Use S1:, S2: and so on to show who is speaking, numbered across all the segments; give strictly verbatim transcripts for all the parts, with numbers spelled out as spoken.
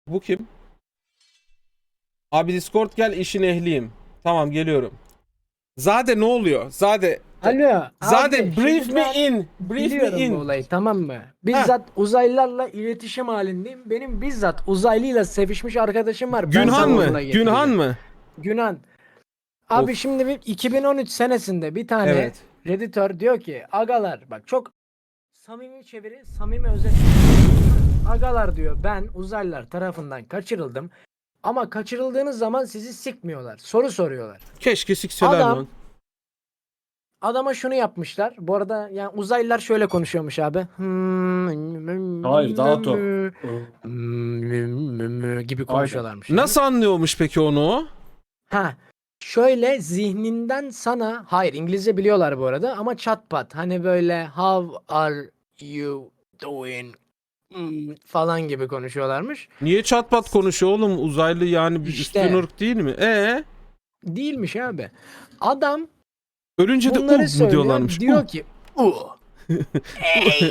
S1: Bu kim? Abi Discord gel, işin ehliyim. Tamam, geliyorum. Zade ne oluyor? Zade.
S2: Alo
S1: Zade
S2: abi,
S1: brief
S2: şimdi
S1: me
S2: ben
S1: in. Brief me
S2: biliyorum bu
S1: in.
S2: olayı, tamam mı?
S1: Heh.
S2: Bizzat uzaylılarla iletişim halindeyim. Benim bizzat uzaylıyla sevişmiş arkadaşım var. Ben
S1: Günhan
S2: sana
S1: mı?
S2: onunla
S1: Günhan
S2: getireceğim.
S1: mı?
S2: Günan. Abi
S1: Of.
S2: şimdi bir iki bin on üç senesinde bir tane
S1: Evet.
S2: Redditor diyor ki agalar bak, çok samimi çeviri, samimi özet. Agalar diyor, ben uzaylılar tarafından kaçırıldım. Ama kaçırıldığınız zaman sizi sikmiyorlar. Soru soruyorlar.
S1: Keşke sikseler
S2: Adam
S1: lan.
S2: Adama şunu yapmışlar. Bu arada yani uzaylılar şöyle konuşuyormuş abi.
S3: Hayır, daha top.
S2: gibi
S3: Aynen.
S2: konuşuyorlarmış. Yani.
S1: Nasıl anlıyormuş peki onu o?
S2: Ha, şöyle zihninden sana, hayır İngilizce biliyorlar bu arada ama çat pat hani böyle how are you doing Hmm, falan gibi konuşuyorlarmış.
S1: Niye çatpat konuşuyor oğlum? Uzaylı yani bir
S2: İşte.
S1: üstün ırk değil mi? E
S2: Değilmiş abi. Adam
S1: ölünce de
S2: bunları
S1: uh mu
S2: söylüyor.
S1: diyorlarmış?
S2: Diyor
S1: Uh.
S2: ki uh. Ey.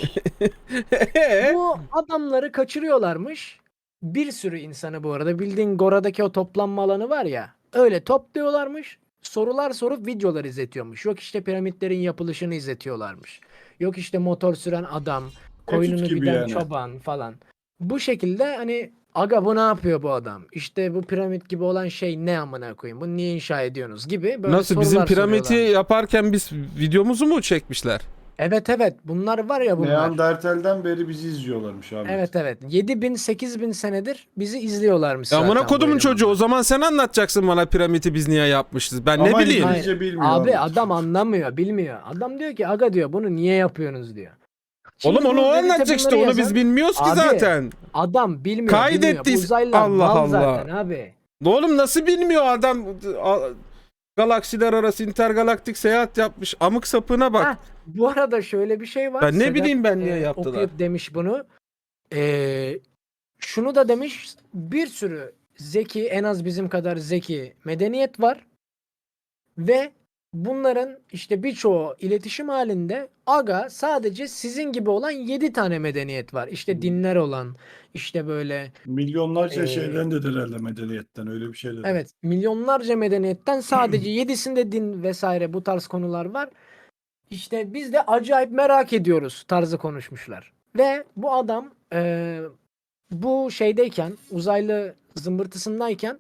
S1: E?
S2: Bu adamları kaçırıyorlarmış. Bir sürü insanı, bu arada bildiğin Gora'daki o toplanma alanı var ya, öyle topluyorlarmış. Sorular sorup videolar izletiyormuş. Yok işte piramitlerin yapılışını izletiyorlarmış. Yok işte motor süren adam, koyununu
S3: gibi
S2: giden
S3: yani.
S2: çoban falan. Bu şekilde hani aga bu ne yapıyor bu adam? İşte bu piramit gibi olan şey ne amına koyayım? Bunu niye inşa ediyorsunuz gibi böyle
S1: Nasıl,
S2: sorular
S1: bizim piramidi
S2: soruyorlarmış.
S1: yaparken biz videomuzu mu çekmişler?
S2: Evet evet, bunlar var ya bunlar.
S3: Neandertal'den beri bizi izliyorlarmış abi.
S2: Evet evet. yedi bin sekiz bin senedir bizi izliyorlarmış
S1: Ya
S2: zaten.
S1: amına
S2: bu
S1: kodumun çocuğu, o
S2: elemanlar.
S1: zaman sen anlatacaksın bana piramidi biz niye yapmışız. Ben ne
S3: Ama
S1: bileyim.
S3: İngilizce
S2: Hayır.
S3: bilmiyor
S2: Abi
S3: Ahmet.
S2: adam anlamıyor, bilmiyor. Adam diyor ki aga diyor, bunu niye yapıyorsunuz diyor. Şimdi
S1: Oğlum onu
S2: bu
S1: o
S2: Reddit'e
S1: anlatacak işte,
S2: bunları
S1: onu biz
S2: yazan
S1: bilmiyoruz ki
S2: abi,
S1: zaten.
S2: adam bilmiyor, bilmiyor. Bu
S1: Kaydettiyse
S2: uzaylılar
S1: Allah
S2: mal
S1: Allah.
S2: zaten abi.
S1: Oğlum nasıl bilmiyor adam? A- Galaksiler arası intergalaktik seyahat yapmış. Amık sapına bak.
S2: Heh, bu arada şöyle bir şey var.
S1: Ben ne
S2: Sedat,
S1: bileyim ben niye
S2: e,
S1: yaptılar.
S2: okuyup demiş bunu. E, şunu da demiş, bir sürü zeki, en az bizim kadar zeki medeniyet var. Ve bunların işte birçoğu iletişim halinde, aga sadece sizin gibi olan yedi tane medeniyet var. İşte dinler olan, işte böyle
S3: Milyonlarca
S2: Ee,
S3: şeyden de herhalde medeniyetten öyle bir şey dedi.
S2: evet, milyonlarca medeniyetten sadece yedisinde din vesaire bu tarz konular var. İşte biz de acayip merak ediyoruz tarzı konuşmuşlar. Ve bu adam e, bu şeydeyken, uzaylı zımbırtısındayken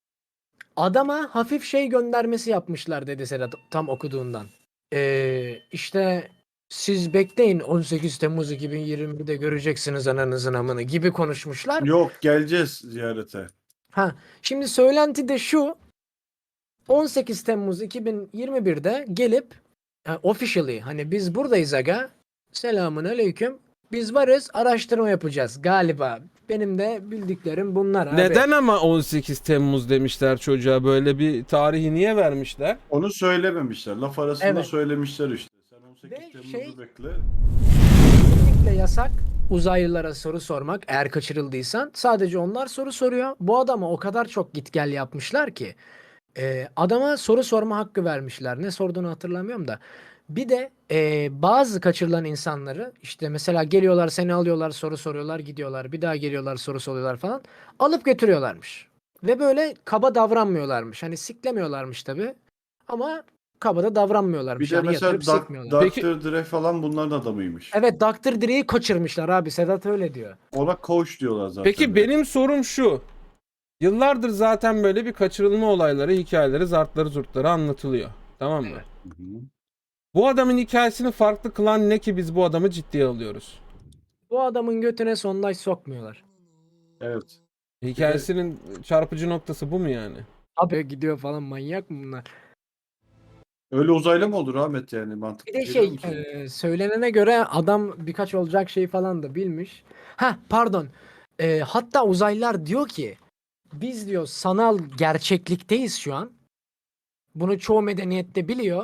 S2: adama hafif şey göndermesi yapmışlar dedi Sedat tam okuduğundan. Ee, işte siz bekleyin, on sekiz Temmuz iki bin yirmi birde göreceksiniz ananızın amını gibi konuşmuşlar.
S3: Yok, geleceğiz ziyarete.
S2: Ha, şimdi söylenti de şu: on sekiz Temmuz iki bin yirmi birde gelip e, officially hani biz buradayız aga, selamun aleyküm, biz varız, araştırma yapacağız galiba. Benim de bildiklerim bunlar abi.
S1: Neden ama on sekiz Temmuz demişler çocuğa, böyle bir tarihi niye vermişler?
S3: Onu söylememişler. Laf arasında
S2: Evet.
S3: söylemişler işte. Sen on sekiz
S2: Ve
S3: Temmuz'u
S2: şey-
S3: bekle.
S2: Kesinlikle yasak uzaylılara soru sormak eğer kaçırıldıysan. Sadece onlar soru soruyor. Bu adama o kadar çok git gel yapmışlar ki e, adama soru sorma hakkı vermişler. Ne sorduğunu hatırlamıyorum da. Bir de e, bazı kaçırılan insanları işte mesela geliyorlar, seni alıyorlar, soru soruyorlar, gidiyorlar. Bir daha geliyorlar, soru soruyorlar falan. Alıp götürüyorlarmış. Ve böyle kaba davranmıyorlarmış. Hani siklemiyorlarmış tabii. Ama kaba da davranmıyorlarmış.
S3: Bir de
S2: Yani
S3: mesela
S2: yatırıp
S3: Dak-
S2: sikmiyorlar.
S1: Peki-
S3: doktor Dre falan bunların adamıymış.
S2: Evet, doktor Dre'yi kaçırmışlar abi. Sedat öyle diyor.
S3: Ona coach diyorlar zaten.
S1: Peki
S3: direkt.
S1: benim sorum şu. Yıllardır zaten böyle bir kaçırılma olayları, hikayeleri, zartları, zurtları anlatılıyor. Tamam mı?
S2: Evet.
S3: Hı hı.
S1: Bu adamın hikayesini farklı kılan ne ki biz bu adamı ciddiye alıyoruz?
S2: Bu adamın götüne sondaj sokmuyorlar.
S3: Evet.
S1: Hikayesinin çarpıcı noktası bu mu yani?
S2: Abi gidiyor falan, manyak mı bunlar?
S3: Öyle uzaylı mı olur Ahmet yani, mantıklı
S2: Bir de
S3: geliyor
S2: şey
S3: mu sana?
S2: e, söylenene göre adam birkaç olacak şey falan da bilmiş. Ha pardon. E, hatta uzaylılar diyor ki biz diyor sanal gerçeklikteyiz şu an. Bunu çoğu medeniyette biliyor.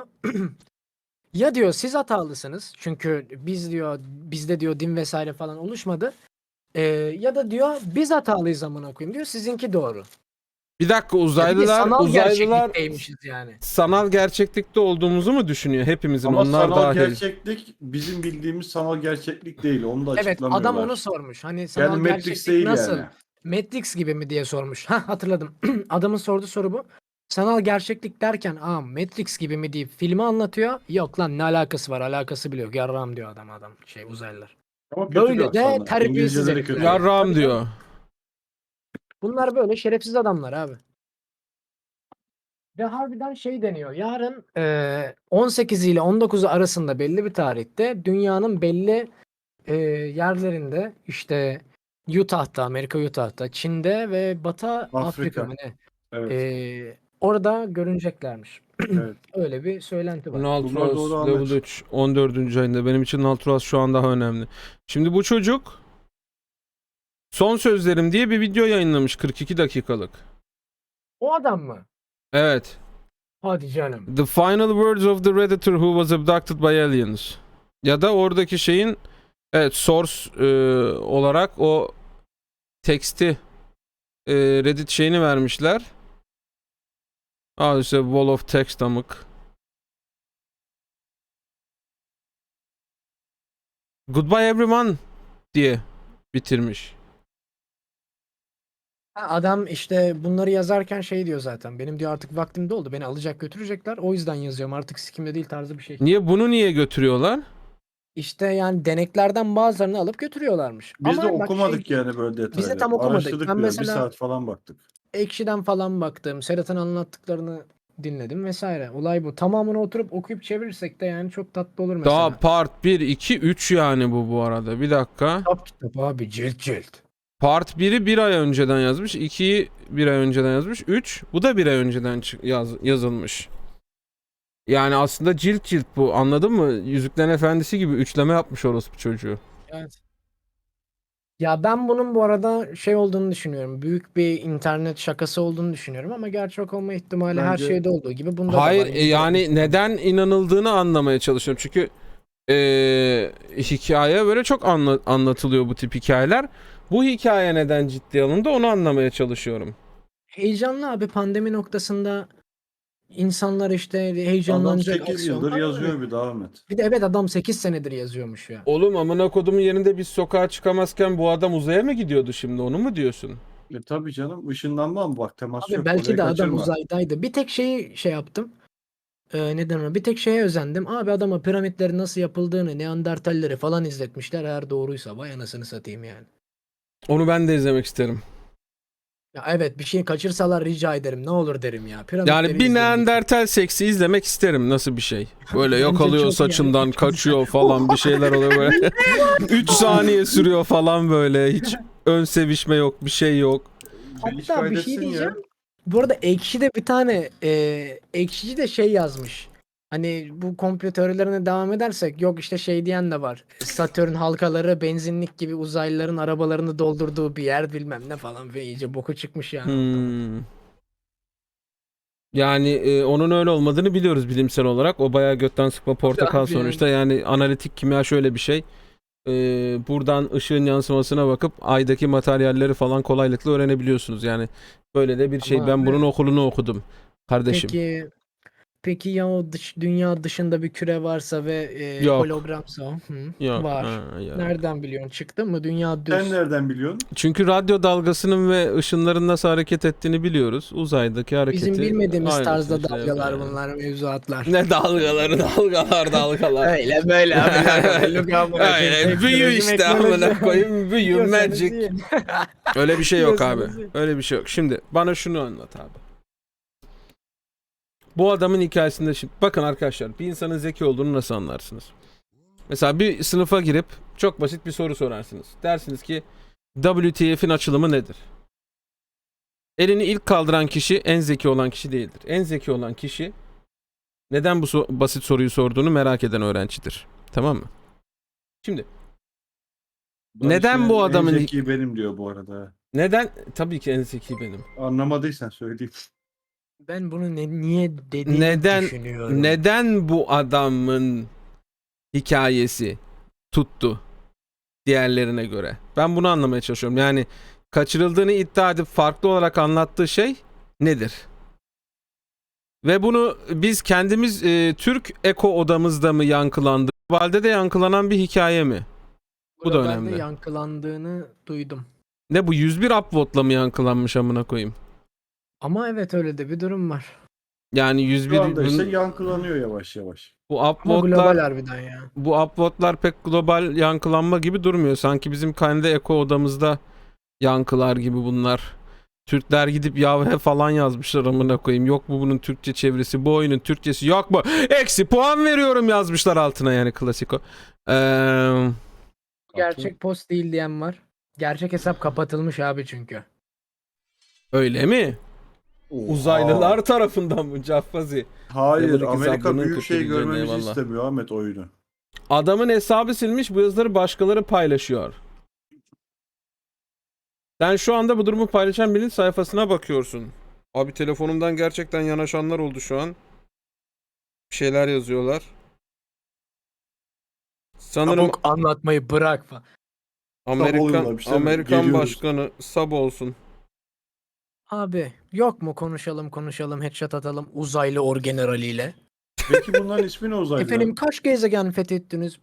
S2: Ya diyor siz hatalısınız. Çünkü biz diyor bizde diyor din vesaire falan oluşmadı. E, ya da diyor biz hatalıyız amına koyayım diyor. Sizinki doğru.
S1: Bir dakika,
S2: Ya bir de
S1: uzaylılar
S2: sanal
S1: uzaylılar
S2: gerçeklikteymişiz yani.
S1: sanal gerçeklikte olduğumuzu mu düşünüyor, hepimizin,
S3: Ama
S1: onlar
S3: sanal
S1: dahil?
S3: gerçeklik bizim bildiğimiz sanal gerçeklik değil. Onu da
S2: Evet,
S3: açıklamıyorlar.
S2: adam onu sormuş. Hani sanal
S3: Yani Matrix
S2: gerçeklik
S3: değil
S2: nasıl
S3: yani.
S2: Matrix gibi mi diye sormuş. Ha hatırladım. Adamın sorduğu soru bu. Sanal gerçeklik derken aa Matrix gibi mi deyip filmi anlatıyor. Yok lan ne alakası var, alakası bile yok. Yarram diyor adam adam şey uzaylılar.
S3: Ama kötü bir
S2: Böyle de
S3: aksanla.
S2: terbiyesiz
S3: İngilizceleri
S2: herifler.
S3: kötü.
S1: Yarrağım
S2: Tabii
S1: diyor.
S2: Bunlar böyle şerefsiz adamlar abi. Ve harbiden şey deniyor. Yarın eee, on sekiz ile on dokuzu arasında belli bir tarihte dünyanın belli eee, yerlerinde işte Utah'ta, Amerika Utah'ta, Çin'de ve Batı Afrika,
S3: Afrika.
S2: mı ne?
S3: Evet.
S2: Eee, orada görüneceklermiş.
S3: Evet.
S2: Öyle bir söylenti var.
S3: Bunlar
S1: Naltros
S3: doğru
S1: Level
S3: Ahmet.
S1: üç on dördüncü ayında. Benim için Naltros şu an daha önemli. Şimdi bu çocuk Son Sözlerim diye bir video yayınlamış kırk iki dakikalık.
S2: O adam mı?
S1: Evet.
S2: Hadi canım.
S1: The final words of the Redditor who was abducted by aliens. Ya da oradaki şeyin evet source e, olarak o teksti e, Reddit şeyini vermişler. Aa işte wall of text amık. Goodbye everyone diye bitirmiş.
S2: Ha, adam işte bunları yazarken şey diyor zaten. Benim diyor artık vaktim doldu. Beni alacak götürecekler. O yüzden yazıyorum. Artık sikimde değil tarzı bir şey.
S1: Niye bunu niye götürüyorlar?
S2: İşte yani deneklerden bazılarını alıp götürüyorlarmış.
S3: Biz de
S2: Ama bak
S3: okumadık
S2: şey,
S3: yani böyle detaylı.
S2: biz de tam okumadık.
S3: Araştırdık
S2: Ben
S3: biraz. Bir
S2: mesela
S3: saat falan baktık.
S2: Ekşi'den falan baktım. Serhat'ın anlattıklarını dinledim vesaire. Olay bu. Tamamını oturup okuyup çevirirsek de yani çok tatlı olur mesela.
S1: Daha part bir, iki, üç yani bu bu arada. Bir dakika.
S2: Kitap kitap abi cilt cilt.
S1: Part biri bir ay önceden yazmış. ikiyi bir ay önceden yazmış. üç bu da bir ay önceden çı- yaz, yazılmış. Yani aslında cilt cilt bu. Anladın mı? Yüzüklerin Efendisi gibi üçleme yapmış orospu çocuğu.
S2: Evet. Ya ben bunun bu arada şey olduğunu düşünüyorum. Büyük bir internet şakası olduğunu düşünüyorum ama gerçek olma ihtimali her
S3: Bence-
S2: şeyde olduğu gibi bunda
S1: Hayır
S2: da var.
S1: e, yani neden inanıldığını anlamaya çalışıyorum. Çünkü e, hikaye böyle çok anla- anlatılıyor bu tip hikayeler. Bu hikaye neden ciddiye alındı onu anlamaya çalışıyorum.
S2: Heyecanlı abi pandemi noktasında insanlar işte
S3: Adam
S2: heyecanlanacak
S3: sekiz
S2: aksiyon
S3: yıldır
S2: var.
S3: yazıyor bir daha Ahmet.
S2: Bir de evet adam sekiz senedir yazıyormuş ya.
S1: Oğlum amına kodumun yerinde biz sokağa çıkamazken bu adam uzaya mı gidiyordu şimdi onu mu diyorsun?
S3: E tabii canım ışınlanma mı bak temas
S2: Abi
S3: yok.
S2: belki
S3: Orayı
S2: de adam
S3: kaçırma.
S2: uzaydaydı. Bir tek şeyi şey yaptım. Ee, neden ona? Bir tek şeye özendim. Abi adama piramitlerin nasıl yapıldığını, Neandertalleri falan izletmişler. Eğer doğruysa vay anasını satayım yani.
S1: Onu ben de izlemek isterim.
S2: Ya evet bir şey kaçırsalar rica ederim. Ne olur derim ya. Piramitleri
S1: Yani bir
S2: izleyin lütfen.
S1: Neandertal seksi izlemek isterim. Nasıl bir şey? Böyle yok
S2: Bence
S1: alıyor
S2: çok
S1: saçından
S2: yani.
S1: kaçıyor falan bir şeyler oluyor böyle. üç saniye sürüyor falan böyle. Hiç ön sevişme yok bir şey yok.
S3: Hiç
S2: Hatta bir
S3: fayda
S2: şey
S3: etsin ya.
S2: diyeceğim. Bu arada Ekşi'de bir tane e, Ekşici de şey yazmış. Hani bu komplo teorilerine devam edersek yok işte şey diyen de var. Satürn halkaları benzinlik gibi uzaylıların arabalarını doldurduğu bir yer bilmem ne falan ve iyice boku çıkmış yani.
S1: Hmm. Yani e, onun öyle olmadığını biliyoruz bilimsel olarak. O bayağı götten sıkma portakal
S2: Abi yani.
S1: sonuçta. Yani analitik kimya şöyle bir şey. E, buradan ışığın yansımasına bakıp aydaki materyalleri falan kolaylıkla öğrenebiliyorsunuz. Yani böyle de bir şey.
S2: Ama
S1: Ben
S2: abi-
S1: bunun okulunu okudum kardeşim.
S2: Peki peki ya o dış, dünya dışında bir küre varsa ve e,
S1: Yok.
S2: hologramsa hı,
S1: Yok.
S2: var.
S1: ha, yok.
S2: Nereden biliyorsun? Çıktı mı? Dünya düz.
S3: Sen nereden biliyorsun?
S1: Çünkü radyo dalgasının ve ışınların nasıl hareket ettiğini biliyoruz. Uzaydaki hareketi.
S2: Bizim bilmediğimiz
S1: aynısı
S2: tarzda
S1: işte,
S2: dalgalar
S1: yani.
S2: bunlar, mevzuatlar.
S1: Ne dalgaları dalgalar dalgalar.
S2: Öyle böyle abi. Look amına koyayım,
S1: Öyle büyü
S2: teknoloji,
S1: işte amına
S2: teknoloji.
S1: koyayım büyü
S2: Yiyorsanız
S1: magic.
S2: yiyin.
S1: Öyle bir şey yok abi.
S2: Yiyorsanız yiyin.
S1: Öyle bir şey yok. Şimdi bana şunu anlat abi. Bu adamın hikayesinde şimdi bakın arkadaşlar bir insanın zeki olduğunu nasıl anlarsınız? Mesela bir sınıfa girip çok basit bir soru sorarsınız. Dersiniz ki W T F'in açılımı nedir? Elini ilk kaldıran kişi en zeki olan kişi değildir. En zeki olan kişi neden bu so- basit soruyu sorduğunu merak eden öğrencidir. Tamam mı? Şimdi Neden bu adamın-
S3: En zeki benim diyor bu arada.
S1: neden tabii ki en zeki benim.
S3: Anlamadıysan söyleyeyim.
S2: Ben bunu ne, niye dediğini
S1: Neden-
S2: düşünüyorum.
S1: Neden bu adamın hikayesi tuttu diğerlerine göre? Ben bunu anlamaya çalışıyorum. Yani kaçırıldığını iddia edip farklı olarak anlattığı şey nedir? Ve bunu biz kendimiz e, Türk eko odamızda mı yankılandı? Globalde de yankılanan bir hikaye mi? Bu da
S2: Globalde
S1: önemli.
S2: yankılandığını duydum.
S1: Ne bu yüz bir upvote'la mı yankılanmış amına koyayım?
S2: Ama evet öyle de bir durum var.
S1: Yani yüz bir
S3: Şu anda işte
S1: bun-
S3: yankılanıyor yavaş yavaş.
S1: bu
S2: Ama global
S1: upvote'lar
S2: harbiden ya.
S1: bu upvote'lar pek global yankılanma gibi durmuyor. Sanki bizim kendi eko odamızda yankılar gibi bunlar. Türkler gidip yavhe falan yazmışlar amına koyayım. Yok mu bunun Türkçe çevirisi? Bu oyunun Türkçesi yok mu? Eksi puan veriyorum yazmışlar altına yani klasiko. Eee
S2: Gerçek post değil diyen var. Gerçek hesap kapatılmış abi çünkü.
S1: öyle mi?
S3: Oha.
S1: Uzaylılar tarafından mı Caffazi?
S3: Hayır,
S1: Buradaki
S3: Amerika
S1: sabrının
S3: büyük şey
S1: kötülüğüne
S3: görmemizi
S1: eyvallah.
S3: istemiyor Ahmet oyunu.
S1: Adamın hesabı silmiş, bu yazıları başkaları paylaşıyor. Sen şu anda bu durumu paylaşan birinin sayfasına bakıyorsun. Abi telefonumdan gerçekten yanaşanlar oldu şu an. Bir şeyler yazıyorlar. Sanırım
S2: Çabuk anlatmayı bırak falan.
S1: Amerikan
S3: oluyorlarmış değil mi?
S1: Amerikan
S3: Geliyoruz.
S1: başkanı sab olsun.
S2: Abi yok mu konuşalım konuşalım headshot atalım uzaylı orgeneraliyle.
S3: Peki bunların ismi ne uzaylılar?
S2: Efendim kaç gezegen fethettiniz?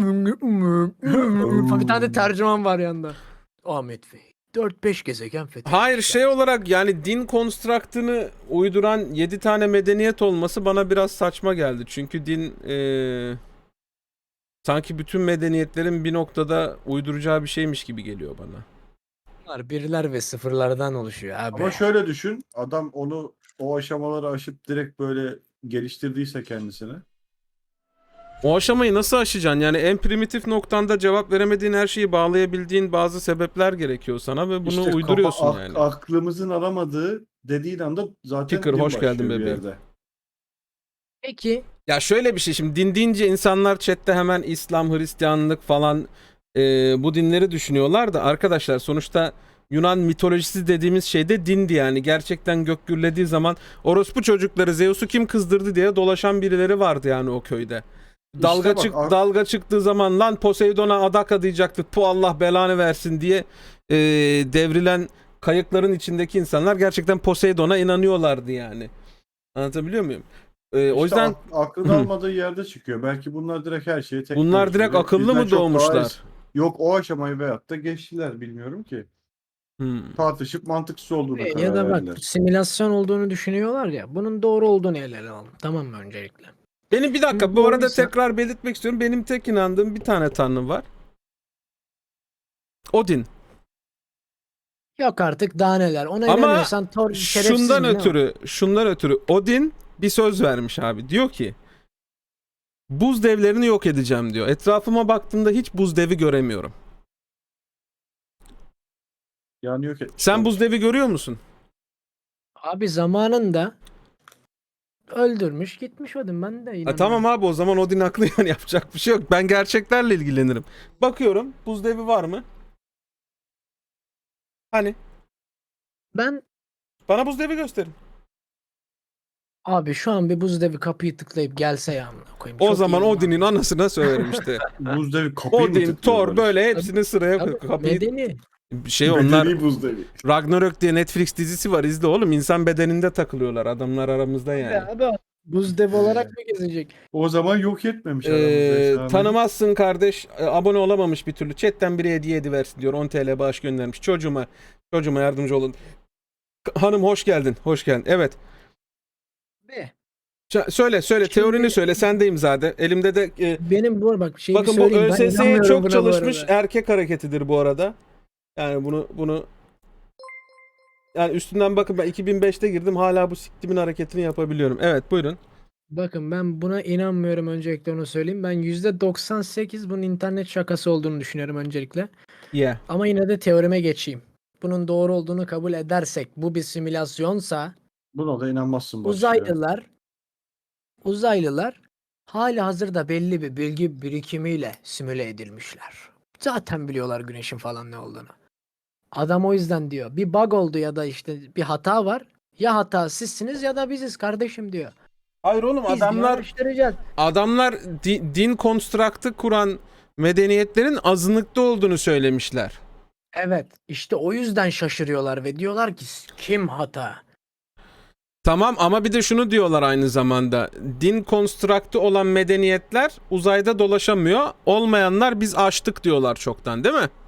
S2: Bir tane de tercüman var yanında. Ahmet Bey dört beş gezegen fethetmişler.
S1: Hayır şey olarak yani din konstraktını uyduran yedi tane medeniyet olması bana biraz saçma geldi. Çünkü din eee, sanki bütün medeniyetlerin bir noktada uyduracağı bir şeymiş gibi geliyor bana.
S2: Bunlar birler ve sıfırlardan oluşuyor abi.
S3: Ama şöyle düşün, adam onu o aşamaları aşıp direkt böyle geliştirdiyse kendisine.
S1: O aşamayı nasıl aşacaksın? Yani en primitif noktanda cevap veremediğin her şeyi bağlayabildiğin bazı sebepler gerekiyor sana ve bunu
S3: İşte kafa-
S1: uyduruyorsun
S3: ak-
S1: yani.
S3: Aklımızın aramadığı dediğin anda zaten
S1: Kicker,
S3: din
S1: hoş geldin
S3: başlıyor bir
S1: bebeğim.
S3: yerde.
S2: Peki
S1: Ya şöyle bir şey, şimdi din deyince insanlar chatte hemen İslam, Hristiyanlık falan e, bu dinleri düşünüyorlar da arkadaşlar sonuçta Yunan mitolojisi dediğimiz şey de dindi yani. Gerçekten gök gürlediği zaman orospu çocukları Zeus'u kim kızdırdı diye dolaşan birileri vardı yani o köyde. Dalga
S3: İşte bak,
S1: çık
S3: ak-
S1: dalga çıktığı zaman lan Poseidon'a adak adayacaktı. Tu Allah belanı versin diye e, devrilen kayıkların içindeki insanlar gerçekten Poseidon'a inanıyorlardı yani. Anlatabiliyor muyum? E, o
S3: İşte
S1: yüzden
S3: ak- aklın
S1: Hı.
S3: almadığı yerde çıkıyor. Belki bunlar direkt her şeyi tek
S1: bunlar
S3: konuşuyor
S1: direkt
S3: ve
S1: akıllı
S3: bizden
S1: mı
S3: çok daha
S1: doğmuşlar?
S3: es- Yok o aşamayı veyahut da geçtiler bilmiyorum ki.
S1: Hmm.
S3: Tartışıp mantıksız olduğuna
S2: ya
S3: karar
S2: da bak
S3: verdiler.
S2: simülasyon olduğunu düşünüyorlar ya bunun doğru olduğunu ele alalım. Tamam mı öncelikle?
S1: Benim bir dakika
S2: Şimdi
S1: bu arada
S2: doğruysa-
S1: tekrar belirtmek istiyorum. Benim tek inandığım bir tane tanrı var. Odin.
S2: Yok artık daha neler. Ona
S1: Ama
S2: inanıyorsan Thor şerefsiz
S1: Şundan
S2: mi ne o?
S1: ötürü, şundan ötürü Odin bir söz vermiş abi. Diyor ki buz devlerini yok edeceğim diyor. Etrafıma baktığımda hiç buz devi göremiyorum.
S3: Yani yok et.
S1: Sen buz devi görüyor musun?
S2: Abi zamanında öldürmüş gitmiş Odin ben de
S1: Ha,
S2: inanıyorum.
S1: tamam abi o zaman Odin haklı yani yapacak bir şey yok. Ben gerçeklerle ilgilenirim. Bakıyorum buz devi var mı? Hani
S2: Ben
S1: bana buz devi gösterin.
S2: abi şu an bir buz devi kapıyı tıklayıp gelse ya amına koyayım.
S1: O
S2: Çok
S1: zaman
S2: iyi
S1: Odin'in
S2: lan.
S1: anasına söylerim işte.
S3: Buz devi kapıyı mı
S1: Odin,
S3: tıklıyor
S1: Thor
S3: Barış?
S1: böyle hepsini sıraya
S2: Tabii,
S1: koy- kapıyı.
S2: medeni.
S1: Şey onlar
S3: Medeni buz devi.
S1: Ragnarök diye Netflix dizisi var izle oğlum. İnsan bedeninde takılıyorlar adamlar aramızda yani.
S2: Ya abi buz devi olarak mı gezecek?
S3: O zaman yok etmemiş
S1: Ee,
S3: aramızda. Sami.
S1: tanımazsın kardeş. e, Abone olamamış bir türlü. Chatten biri hediye ediversin diyor. on T L bağış göndermiş. Çocuğuma çocuğuma yardımcı olun. K- Hanım hoş geldin. Hoş geldin. Evet.
S2: Be.
S1: Ç- söyle söyle
S2: Şimdi-
S1: teorini söyle. Sendeyim zaten. Elimde de e,
S2: Benim bu bak şeyi
S1: bakın bu
S2: söyleyeyim. ben
S1: ÖSS'ye
S2: inanmıyorum
S1: çok
S2: buna bu
S1: çalışmış
S2: arada.
S1: erkek hareketidir bu arada. Yani bunu bunu yani üstünden bakın ben iki bin beşte girdim hala bu siktimin hareketini yapabiliyorum. Evet buyurun.
S2: Bakın ben buna inanmıyorum öncelikle onu söyleyeyim. Ben yüzde doksan sekiz bunun internet şakası olduğunu düşünüyorum öncelikle.
S1: Yeah.
S2: Ama yine de teorime geçeyim. Bunun doğru olduğunu kabul edersek bu bir simülasyonsa
S3: Buna da inanmazsın Barış ya.
S2: uzaylılar uzaylılar hali hazırda belli bir bilgi birikimiyle simüle edilmişler. Zaten biliyorlar güneşin falan ne olduğunu. Adam o yüzden diyor. Bir bug oldu ya da işte bir hata var. Ya hata sizsiniz ya da biziz kardeşim diyor.
S1: Hayır oğlum
S2: Biz diyor,
S1: adamlar
S2: araştıracağız.
S1: adamlar di- din konstraktı kuran medeniyetlerin azınlıkta olduğunu söylemişler.
S2: Evet, işte o yüzden şaşırıyorlar ve diyorlar ki kim hata?
S1: Tamam ama bir de şunu diyorlar aynı zamanda. Din konstraktı olan medeniyetler uzayda dolaşamıyor. Olmayanlar biz aştık diyorlar çoktan değil mi?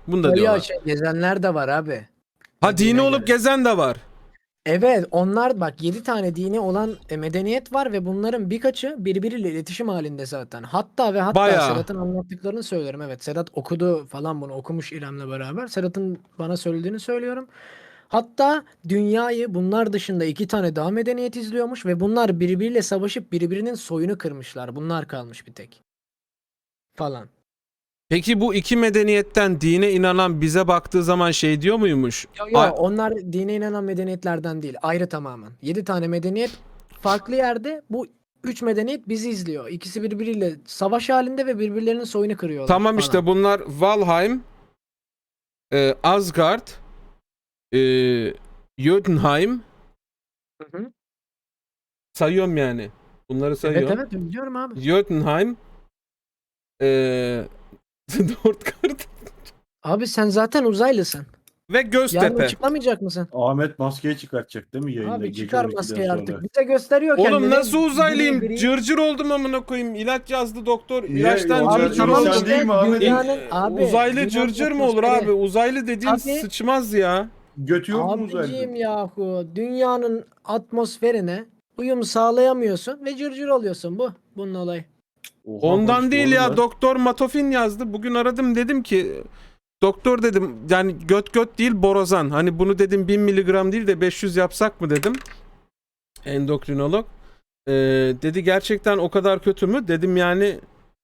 S1: Bunu da
S2: Öyle
S1: diyorlar.
S2: şey, gezenler de var abi.
S1: Ha dini
S2: dediğine
S1: olup
S2: göre.
S1: gezen de var.
S2: Evet, onlar bak yedi tane dini olan e, medeniyet var ve bunların birkaçı birbiriyle iletişim halinde zaten. Hatta ve hatta
S1: Bayağı.
S2: Sedat'ın anlattıklarını söylüyorum. Evet, Sedat okudu falan, bunu okumuş İrem'le beraber. Sedat'ın bana söylediğini söylüyorum. Hatta dünyayı bunlar dışında iki tane daha medeniyet izliyormuş ve bunlar birbiriyle savaşıp birbirinin soyunu kırmışlar. Bunlar kalmış bir tek. Falan.
S1: Peki bu iki medeniyetten dine inanan bize baktığı zaman şey diyor muymuş?
S2: Yo, yo,
S1: Ay-
S2: onlar dine inanan medeniyetlerden değil. Ayrı tamamen. Yedi tane medeniyet farklı yerde. Bu üç medeniyet bizi izliyor. İkisi birbiriyle savaş halinde ve birbirlerinin soyunu kırıyorlar
S1: Tamam
S2: falan.
S1: işte bunlar Valheim, e, Asgard, e, Jotunheim,
S2: Hı hı.
S1: sayıyorum yani. Bunları
S2: Evet
S1: sayıyorum.
S2: evet biliyorum abi.
S1: Jotunheim, e, Nordgard
S2: Abi sen zaten uzaylısın.
S1: ve
S2: Yarın
S1: Göztepe.
S2: açıklamayacak mısın?
S3: Ahmet maskeyi çıkartacak değil mi yayında?
S2: Abi
S3: Gece
S2: çıkar
S3: on ikiden
S2: maskeyi
S3: sonra.
S2: artık. Bize gösteriyor
S1: Oğlum
S2: kendini.
S1: nasıl uzaylıyım?
S2: Gri gri.
S1: Cırcır oldum amına koyayım. İlaç yazdı doktor.
S3: Niye?
S1: İlaçtan
S3: Abi
S2: Abi
S1: cırcır
S3: tamam
S2: tamam
S1: oldum.
S3: sen
S2: işte
S3: değil mi Ahmet?
S2: dünyanın
S1: Ee,
S2: abi.
S1: Uzaylı
S2: dünyanın
S1: cırcır mı olur
S2: atmosferi.
S1: abi? Uzaylı dediğin
S2: Abi-
S1: sıçmaz ya.
S3: Götü yok mu
S2: Abicim
S3: uzaylı?
S2: yahu dünyanın atmosferine uyum sağlayamıyorsun ve cırcır oluyorsun bu. Bunun olayı.
S3: Oha,
S1: Ondan
S3: konuşma
S1: değil
S3: oğlum
S1: ya.
S3: lan.
S1: Doktor Matofin yazdı. Bugün aradım dedim ki doktor dedim yani göt göt değil borazan. Hani bunu dedim bin miligram değil de beş yüz yapsak mı dedim. Endokrinolog. Ee, dedi gerçekten o kadar kötü mü? Dedim yani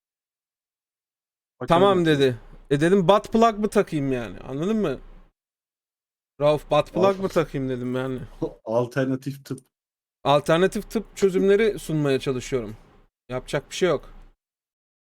S1: tamam dedi. E dedim butt plug mı takayım yani? Anladın mı? Rauf butt plug
S3: Al-
S1: mı takayım dedim yani.
S3: Alternatif tıp.
S1: Alternatif tıp çözümleri sunmaya çalışıyorum. Yapacak bir şey yok.